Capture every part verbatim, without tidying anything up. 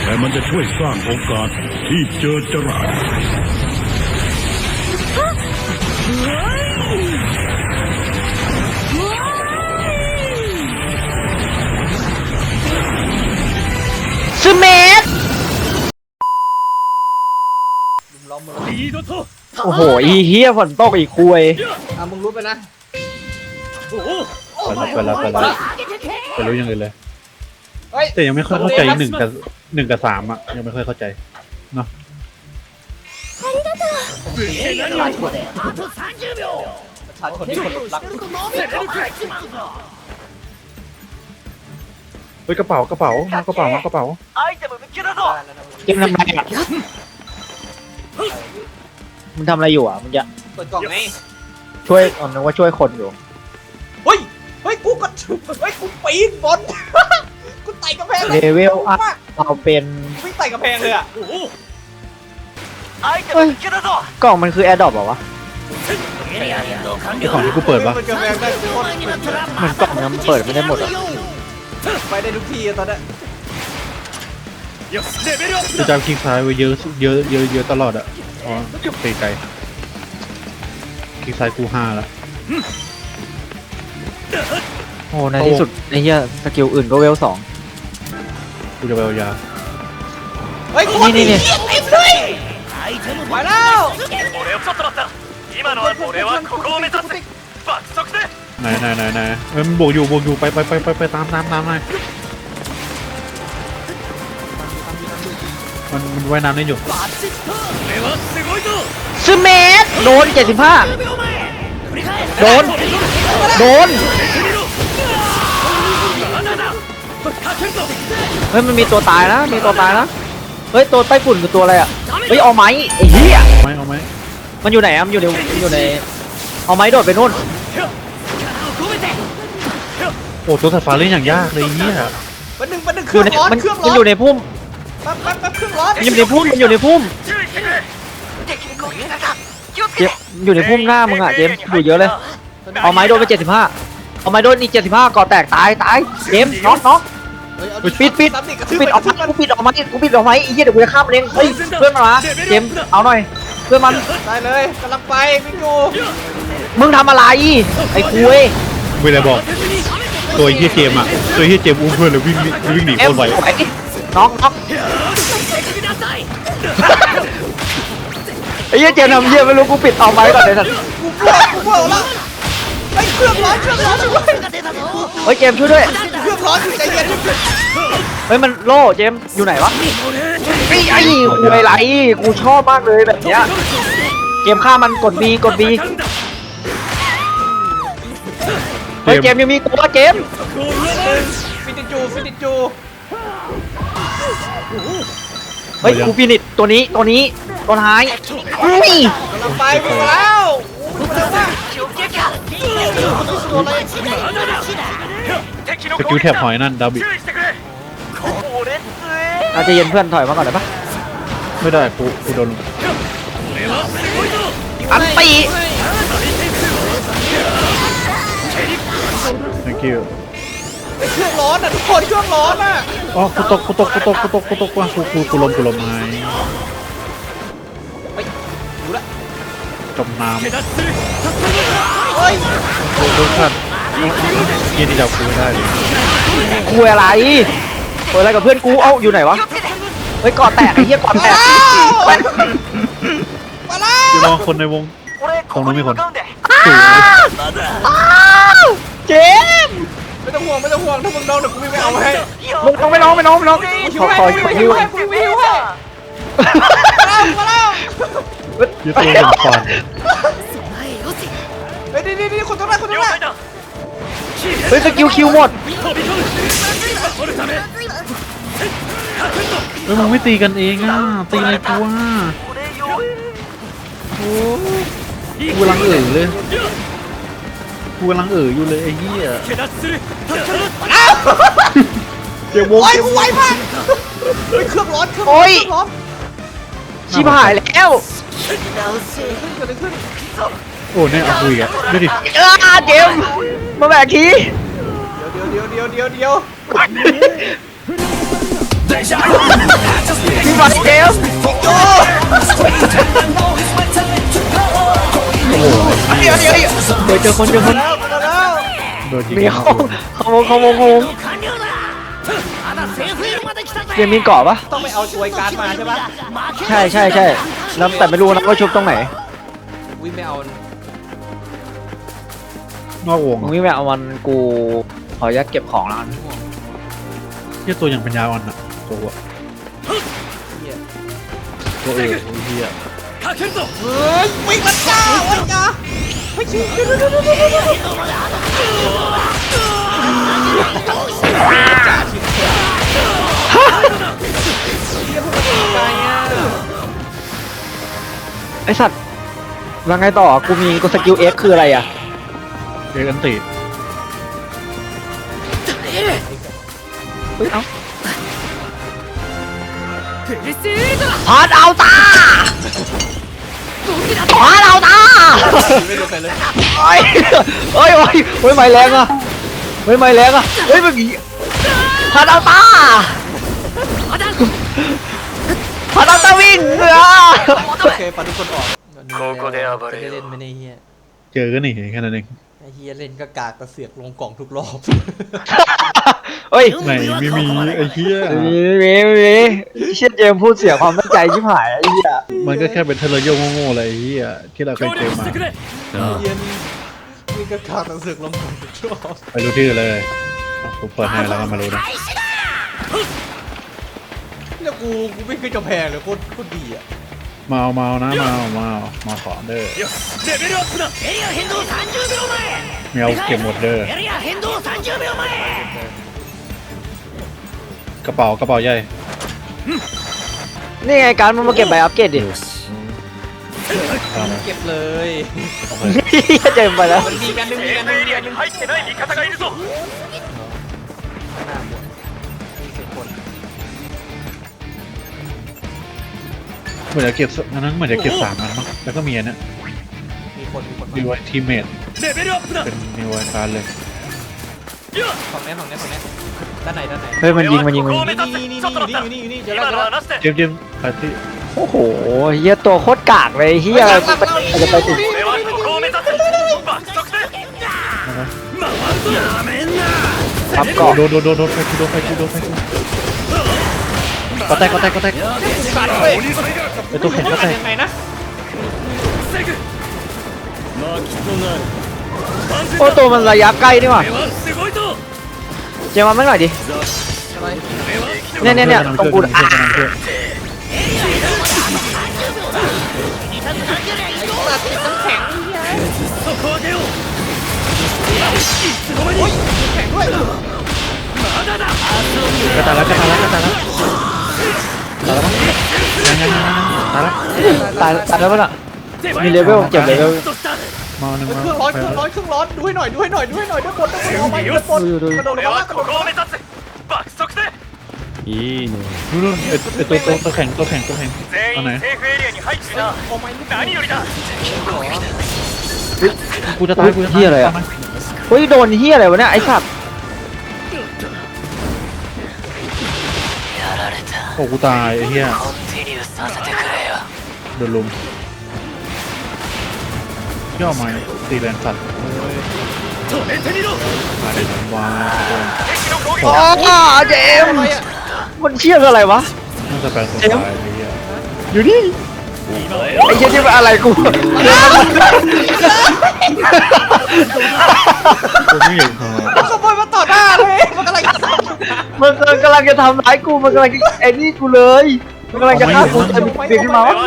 แต่มันจะช่วยสร้างโอกาสที่เจอจรัสซูเมสโอ้โหอีเฮียฝนตกอีกคุยอ่ะมึงรู้ไปนะไปแล้วไปแล้วไปแล้วไปรู้ยังไงเลยแต่ยังไม่ค่อยเข้าใจหนึ่งกับหนึ่งกับสามอ่ะยังไม่ค่อยเข้าใจเนาะชาชนที่คนรักเฮ้ยกระเป๋ากระเป๋ามากระเป๋ามากระเป๋าเกมทำไรอ่ะมึงทำอะไรอยู่อ่ะมึงจะเปิดกล่องไงช่วยอ๋อนึกว่าช่วยคนอยู่เฮ้ยเฮ้ยกูก็เฮ้ยกูปีนบนกูไต่กระแพงเลเวลอัพเราเป็นวิ่งไต่กระแพงเลยอ่ะเฮ้ยกล่องมันคือแอร์ดรอปเหรอวะไอของที่กูเปิดปะกระแพงได้ทุกคนเหมือนกล่องนี้มันเปิดไม่ได้หมดอ่ะไปได้ทุกทีตอนนี้กูจำคลิกซ้ายไว้เยอะเยอะเยอะเยอะตลอดอ่ะอ๋อไกลไกลคลิกซ้ายกูห้าละโอ้ในที่สุดไอ้เหี้ยสกิลอื่นก็เวลสองกูจะไปเอายาเฮ้ยกูนี่นี่เต็มเลยไปแล้วไหนไหนไหนไหนเอ้ยมันบวกอยู่บวกอยู่ไปไปไปไปไปตามตามตามหน่อยมันมันว่ายน้ำได้อยู่ซูเมสโดนเจ็ดสิบห้าโดนโดนเฮ้ยมันมีตัวตายนะมีตัวตายนะเฮ้ยตัวใต้ฝุ่นคือตัวอะไรอ่ะเฮ้ยเอาไม้ไอ้เหี้ยเอาไหมเอาไหมมันอยู่ไหนอ่ะมันอยู่ในมันอยู่ในเอาไม้โดดไปนู่นโอ้ตัวสายฟ้าเล่นอย่างยากเลยเนี่ยมันหนึ่งมันหนึ่งเคอรื่ยู่องในร้อนมันเครื่องร้มัอน นอยู่ในพุ่มแป๊บแป๊บแป๊บเครื่องร้อนมันอยู่ในพุ่มมันอยู่ในพุ่มเจมอยู่ในพุ่มหน้ามึงอ่ะเจมอยู่เยอะเลยเอาไม้โดนไปเจ็ดสิบห้าเอาไม้โดนอีกเจ็ดสิบห้าก่อแตกตายตายเจมน็อกน็อกปิดปิดปิดออกมากูปิดออกมากูปิดออกมาไอ้เหี้ยเดี๋ยวกูจะฆ่ามันเองเฮ้ยเพื่อนมาเจมเอาหน่อยเพื่อนมันได้เลยกำลังไปวิ่งอยู่มึงทำอะไรไอ้คุยไม่ได้บอกตัวเฮียเจมอ่ะตัวเฮียเจมอุ้มเพื่อนเลยวิ่งวิ่งหนีเอ็โคมตรไวน็อกน็อกไอ้เหี้ยเจมทำเหี้ยไม่รู้กูปิดเอาไม้ก่อนเลยสัตว์กูปวดกูปวดแล้วไอ้เครื่องร้อนเครื่องร้อนช่วยเฮ้ยเจมช่วยด้วยเครื่องร้อนอยู่ใจเย็นเฮ้ยมันโล่เจมอยู่ไหนวะไอ้ไอ้คุยไรกูชอบมากเลยแบบเนี้ยเจมฆ่ามันกดบีกดบีเฮ้ยเจมยังมีตัวเจมฟินิจูฟินิจูเฮ้ยกูฟินิชตัวนี้ตัวนี้ตัวท้ายอุ้ยกำลังไปวิ่งมาแล้ววิ่งมาแล้วว่าสกิลแถบหอยนั่นดาบิอาจจะเย็นเพื่อนถอยมาก่อนได้ปะไม่ได้กูกูโดนอันตี thank you ไอ้เครื่องร้อนอ่ะทุกคนเครื่องร้อนอ่ะอ๋อกูตกกูตกกูตกกูตกกูตกว่ากูกูกูลมกูลมไงดูละจมน้ำเฮ้ยโอ้โหท่านยินดีจับกูได้เลยคุยอะไรคุยอะไรกับเพื่อนกูเอ้าอยู่ไหนวะเฮ้ยกอดแตกไอ้เหี้ยกอดแตกมาแล้วจะมองคนในวงตรงนู้นมีคนสูงเจมไม่ต้องห่วงไม่ต้องห่วงถ้ามึงโดนเดี๋ยวกูวิ่งไปเอาให้มึงต้องไม่น้องไม่น้องไม่น้องขอขอขอวิ่งยิ้วให้วิ่งให้มาแล้วมาแล้วยืดตัวเหมือนฟันเฮ้ยนี่นี่นี่คนตรงนั้นคนตรงนั้นเฮ้ยสกิลคิวหมดเฮ้ยมึงไม่ตีกันเองอ่ะตีอะไรกูอ่ะโอ้กูกำลังเอ่ยเลยกูกำลังเอ่ยอยู่เลยไอ้เหี้ยเจ้าวงโอ้ยกูไวมากเฮ้ยเครื่องร้อนเครื่องร้อนเครื่องร้อนชิบหายแล้วเกิดอะไรขึ้นโอ้เนี่ยเอาคุยกันดูดิเออเจมมาแบกทีเดี๋ยวเดี๋ยวเดี๋ยวเดี๋ยวเดี๋ยวพี่บอลเจมส์เดี๋ยวเดี๋ยวเดี๋ยวเดี๋ยวเจอคนเจอคนแล้วมาแล้วโดนยิงมีเขาเขาเขาเขาเขาเจมส์มีเกาะปะต้องไปเอาช่วยการ์ดมาใช่ปะใช่ใช่ใช่แล้วแต่ไม่รู้นะว่าชุบตรงไหนวิไม่เอานอกวงมึงไม่แม่เอามันกูขอยัดเก็บของแล้วกันเฮียตัวอย่างปัญญาอ่อนอะตัวอะเหี้ยตัวเออเฮียเฮ้ยวิ่งมันจ้าวันจ้าไม่ชิเดี๋ยวเดี๋ยวเดี๋ยวเดี๋ยวเดี๋ยวจ่าชิบเฮียพวกมันตายอ่ะไอสัตว์แล้วไงต่อกูมีกูสกิลเอ็กคืออะไรอ่ะเด็กอันติเฮ้ยเอ้าพาดเอาตาพาดเอาตาไม่โดนใครเลยเฮ้ยเฮ้ยเฮ้ยเฮ้ยไม่แรงอ่ะเฮ้ยไม่แรงอ่ะเฮ้ยเมื่อกี้พาดเอาตาพาดเอาตาวิ่งเหรอโอเคปัดทุกคนออกจะได้เล่นไม่ได้เฮียเจอกันนี่แค่นั้นเองไอ้เฮียเล่นก็กากกระเสือกลงกล่องทุกรอบเฮ้ยไหนไม่มีไอ้เฮียมีมีมีเชี่ยเจมส์พูดเสียความตั้งใจชิบหายไอ้เหี้ยมันก็แค่เป็นเทเลโยโง่ๆอะไรไอ้เฮียที่เราเคยเจอมาเฮียนี่นี่ก็กากกระเสือกลงกล่องทุกรอบไปรู้ที่อื่นเลยผมเปิดให้แล้วก็มารู้นะแล้วกูกูไม่เคยจะแพ้เลยโคตรโคตรดีอ่ะมาเอามาเอานะมาเอามาเอามาขอเด้อไม่เอาเก็บหมดเด้อกระเป๋ากระเป๋าใหญ่นี่ไงการมันมาเก็บใบอัปเกรดดิเอามาเก็บเลยโอเคเจมส์ไปแล้วมันมีกันหนึ่งมีกันหนึ่งมีกันหนึ่งข้างหน้าหมดมีเสียงคนเหมือนจะเก็บอันนั้นเหมือนจะเก็บสามอันมั้งแล้วก็มีอันเนี้ยมีคนมีคนดีไวทีเมทเป็นนิวไวการเลยฝั่งนี้ฝั่งนี้ฝั่งนี้ด้านไหนด้านไหนเฮ้ยมันยิงมันยิงมันยิงนี่นี่นี่อยู่นี่อยู่นี่อยู่นี่เจอแล้วเจอแล้วเจมส์เจมส์ไปที่โอ้โหเฮียตัวโคตรกากเลยเฮียจะไปจะไปติดทับเกาะโดนโดนโดนโดนไฟกูโดนไฟกูโดนไฟกูก็แตกก็แตกก็แตกขาดเว้ยไอตัวแข็งก็แตกยังไงนะโอ้ตัวมันระยะใกล้นี่หว่าเจมส์มาไม่หน่อยดิอะไรเนี่ยเนี่ยเนี่ยตรงกูอ่ะตัดติดน้ำแข็งโอ้ยแข็งด้วยกระตายแล้วกระตายแล้วกระตายแล้วตายแล้วยังยังยังตายแล้วตายตายแล้วป่ะน่ะมีเลเวลเจ็บเลเวลมาหนึ่งเคมารื่องร้อนเครื่องร้อนเครื่องร้อนดูให้หน่อยดูให้หน่อยดูให้หน่อยด้านบนด้านบนเอาไปด้านบนกระโดดลงมาแล้วกระโดดลงมาดูดูไอไอตัวตัวตัวแข็งตัวแข็งตัวแข็งเอาไหนเอาไม้ลูกหนีกูจะตายกูจะตายเฮียอะไรอ่ะเฮ้ยโดนเฮียอะไรวะเนี่ยไอ้สัตว์โอ้กูตายไอ้เหี้ยโดนลุมย่อมาตีแรงสัตว์มาได้วายอ๋อเจมส์มันเชี่ยอะไรวะน่าจะแปลงตัวตายไอ้เหี้ยอยู่นี่ไอ้เชี่ยที่มันอะไรกูกูไม่เห็นเขามันขโมยมาต่อหน้าเลยมันกำลังจะทำมันกำลังจะทำร้ายกูมันกำลังจะไอ้นี่กูเลยมันกำลังจะฆ่ากูจะมีเด็กขึ้นมาวะ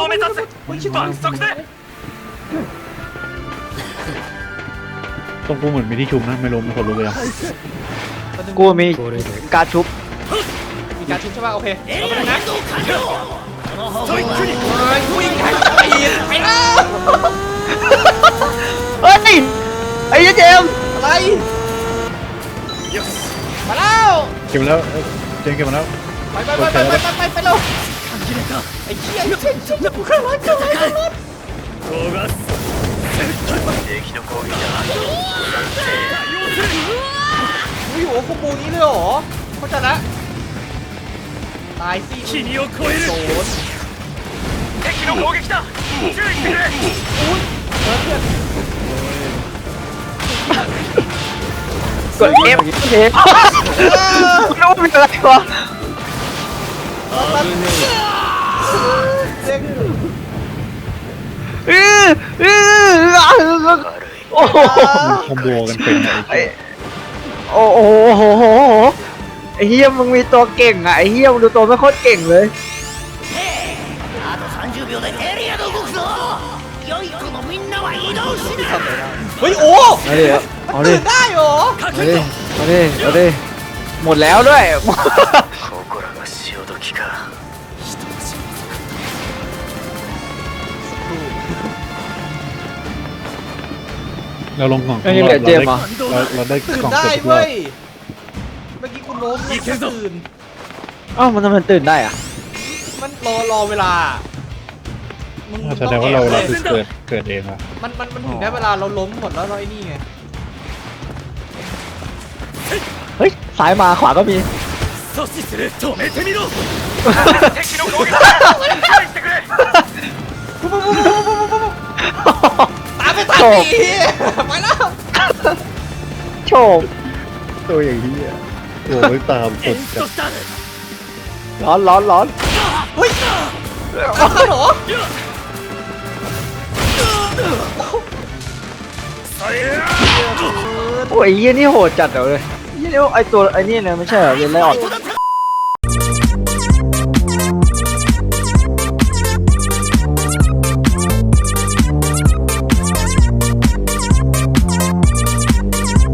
ตรงกูเหมือนมีที่ชุมนะไม่รู้ไม่คนรู้เลยกูมีการชุบมีการชุบใช่ป่ะโอเคเอาไปเลยนะวิ่งแข่งปีนไปแล้วเฮ้ยไอ้เจมส์อะไรมาแล้วเก็บแล้วเจงเก็บมาแล้วไปไปไปไปไปไปไปเร็วไอ้เหี้ยไอ้เชี่ยเชี่ยกูขึ้นรถขึ้นรถขึ้นรถอุ้ยโหคอมโบนี้เลยเหรอเข้าใจละตายสิ君を超えるโดน敵の攻撃だ注意してくれเออเพื่อนกดเอฟเอฟไม่รู้เป็นอะไรวะเจ๊งอื้ออื้อโอ้โหมันคอมโบกันเป็นไอ้โอ้โหโหโหไอ้เฮียมึงมีตัวเก่งอ่ะไอ้เฮียมึงดูตัวไม่โคตรเก่งเลยあとさんじゅうびょうでエリアが動くぞ良い子のみんなは移動しなเฮ้ยโอ้เอาดิเอามันดิตื่นได้เหรอเอาดิเอาดิเอาดิหมดแล้วด้วย心が潮時かเราลงกล่องไอ้นี่เหลือเจมส์เหรอเราเราได้ตื่นกล่องได้เสร็จทุกรอเว้บยเมื่อกี้กูล้มแล้วก็ตื่นอ้าวมันทำไมตื่นได้อ่ะมันรอรอเวลามึงแสดงว่าเราต้องเราแอบคือเกิดเกิดเองอะมันมันมันถึงได้เวลาเราล้มหมดแล้วเราไอ้นี่ไงเฮ้ยซ้ายมาขวาก็มี阻止する止めてみろ敵の攻撃だ注意してくれตามไปทันโฉบดีไปแล้วโฉบตัวอย่างนี้อะโอ้ยตามสุエดンจัスดトスタールร้อนร้อนร้อนเฮ้ยกลับมาเหรอさえโอ้ยไอ้เฮียนี่โหดจัดเหรอเลยเฮียนี่ไอตัวไอนี่เลยไม่ใช่เหรอเรียนไล่ออดここだった